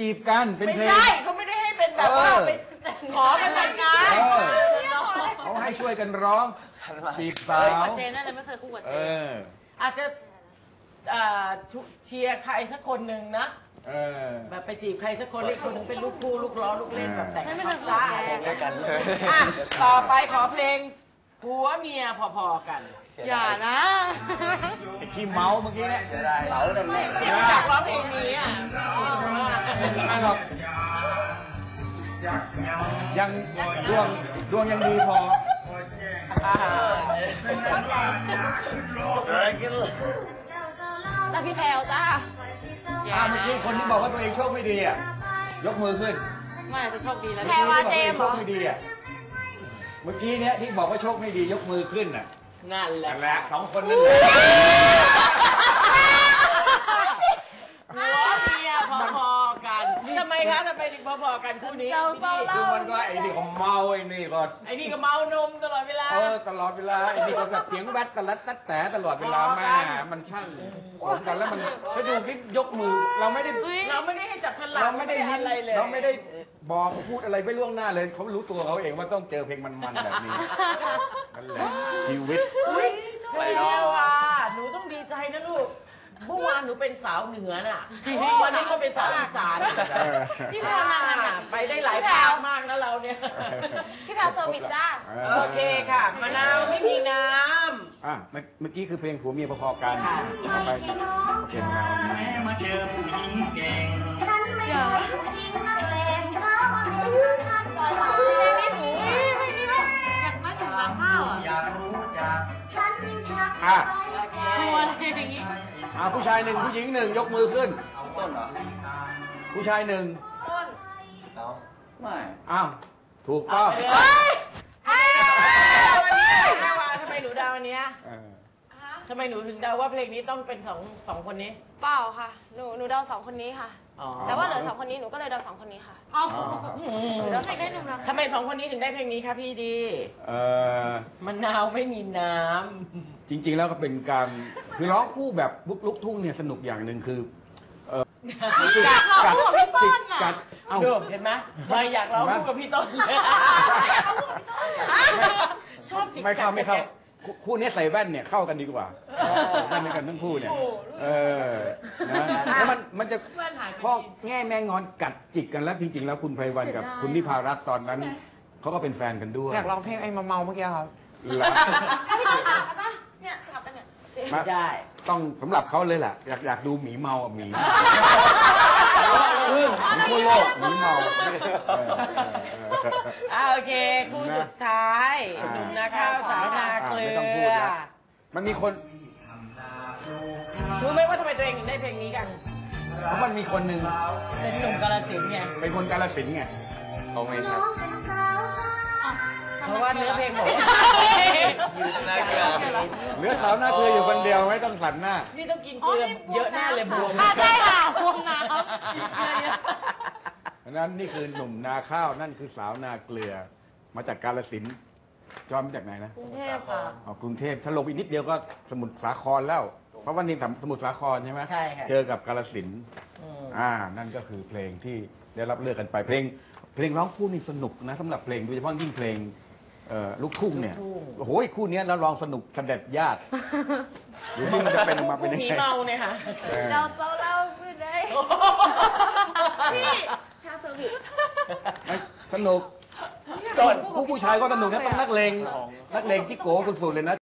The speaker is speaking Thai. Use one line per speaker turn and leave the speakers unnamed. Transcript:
จีบกันเป็นเพลง
ไม่ใช่เขาไม่ได้ให้เป็นแบบว่าไปขอกันแต่งงาน
เขาให้ช่วยกันร้องจีบสาว
เจนนั่นเลยไม่เคยคู่กับเจน
อาจจะเชียร์ใครสักคนหนึ่งนะแบบไปจีบใครสักคนเล่นคนหนึ่งเป็นลูกคู่ลูกล้อลูกเล่นแบบแต่งภาษาอะไรกันเลยต่อไปขอเพลงผัวเมียพอๆกัน
อย่านะ
ไอ้ที่เมาเมื่อกี้เนี่ยเมานั่นแหละ
ที่อยากร้องเพลงนี้อ่ะ
ไม่หรอกยังดวงยังดีพอ
แต่พี่แพลวจ้า
เมื่อกี้คนที่บอกว่าตัวเองโชคไม่ดีอ่ะยกมือขึ้น
ไม่จะโชคดีแล้ว
แพรว่าเจมส์โชคไม่ดีอ่ะเมื่อกี้เนี้ยที่บอกว่าโชคไม่ดียกมือขึ้นน่ะ
นั่นแหละ
สองคนนั่นแหละ
หัวเมียพอๆกันทำไมคะทำไมถึงพอๆกันคู่นี้
คือมันก็ไอ้นี่ก็เมาไอ้นี่ก็
เมานมตลอดเวลา
ตลอดเวลาไอ้นี่ก็แบบเสียงแวดตะลัดตัดแต่ตลอดเวลาแม่มันช่างสมกันแล้วมันไปดูคลิปยกมือเราไม่ได้
ให้จับฉลาก
เราไม่ได้อะไรเลยเราไม่ได้บอกพูดอะไรไปล่วงหน้าเลยเขารู้ตัวเขาเองว่าต้องเจอเพลงมันๆแบบนี้นั่นแหละชีวิต
ไปแล้วค่ะหนูต้องดีใจนะลูกเมื่อวานหนูเป็นสาวเหนือน่ะวันนี้ก็เป็นสาวอีสาน
พี่แพลวนั่น
ไปได้หลายภาคมากนะเราเนี่ย
พี่แพลวเซอร์วิสจ้า
โอเคค่ะมะนาวไม่มีน้
ำเมื่อกี้คือเพลงผัวเมียพอๆกันไปเพลงเรามาเจอผู้หญิงเก่ง
อย่าซอยสาวเพลงนี้หนูไม่มีว่าอยากมาถึงมาข้าว
อยากรู้จัก
ชวนอย่างนี้
ผู้ชายหนึ่งผู้หญิงหนึ่งยกมือขึ้น
ต้นเหรอ
ผู้ชายหนึ่ง
ต้น
ไม่
ถูกต้อง
ทำไมหนูเดาอันเนี้ยทำไมหนูถึงเดาว่าเพลงนี้ต้องเป็นสองคนนี้
เปล่าค่ะหนูเดา2 คนนี้ค่ะแต่ว่าเหลือ2 คนนี้หนูก็เลยเดา2 คนนี้ค่ะหนูเดาใส่ได้หนึ่งนะ
ทำไม2 คนนี้ถึงได้เพลงนี้คะพี่ดีมะนาวไม่มีน้ำ
จริงๆแล้วก็เป็นการคือร้องคู่แบบลุกทุ่งเนี่ยสนุกอย่างหนึ่งคือ
อยากร้องคู่กับพี่ต้นอ่ะ
ดูเห็นไหมไม่อยากร้องคู่กับพี่ต้นชอบจิกกัด
ไม่เข้าคู่นี้ใส่แว่นเนี่ยเข้ากันดีกว่าแว่นด้วยกันทั้งคู่เนี่ยนะแล้วมันจะข้อแง่แมงงอนกัดจิกกันแล้วจริงๆแล้วคุณไพวันกับคุณนิพารัตน์ตอนนั้นเขาก็เป็นแฟนกันด้วย
อยากร้องเพลงไอ้เมาเมื่อกี้ครับ
พี่ต้นถามกันปะเนี่ยถามกันเนี่ย
ได้
ต้องสำหรับเขาเลยแหละอยากดูหมีเมาหมีทั่วโลกหมีเมา
โอเคคู่สุดท้ายหนุ่มนาข้าวสาวนาเกลือ
มันมีคน
รู้ไหมว่าทำไมตัวเองถึงได้เพลงนี้กัน
เพราะมันมีคนหนึ่ง
เป็นหนุ่มกาฬสินธุ์ไง
เป็นคนกาฬสินธุ์ไง
เขาไม่ครับ
เพราะว่าเนื้อเพลงผม
เหลือสาวหน้าเกลืออยู่คนเดียวไม่ต้องสั่นหน้า
นี่ต้องกินเกลือเยอะแน่เลยบวม
ใช่ค่ะบวมน้
ำนั้นนี่คือหนุ่มนาข้าวนั่นคือสาวนาเกลือมาจากกาฬสินธุ์จอมมาจากไหนนะ
กรุงเทพค่ะ
กรุงเทพถ้าลงอีกนิดเดียวก็สมุทรสาครแล้วเพราะว่านี่สมุทรสาครใช่ไหม
ใช่ค่ะ
เจอกับกาฬสินธุ์นั่นก็คือเพลงที่ได้รับเลือกกันไปเพลงร้องคู่นี่สนุกนะสำหรับเพลงโดยเฉพาะยิ่งเพลงลูกทุ่งเนี่ยโอ้โหคู่นี้เราลองสนุกเสด็จญาติหรือที่มันจะเป็นมาเป็นยังไง
เมาเนี่ยค่ะ
เจ้าโซเล่าคือไงพี่แค่เซอร์วิส
สนุกผู้ชายก็สนุกนะต้องนักเลงจิโก้สุดๆเลยนะ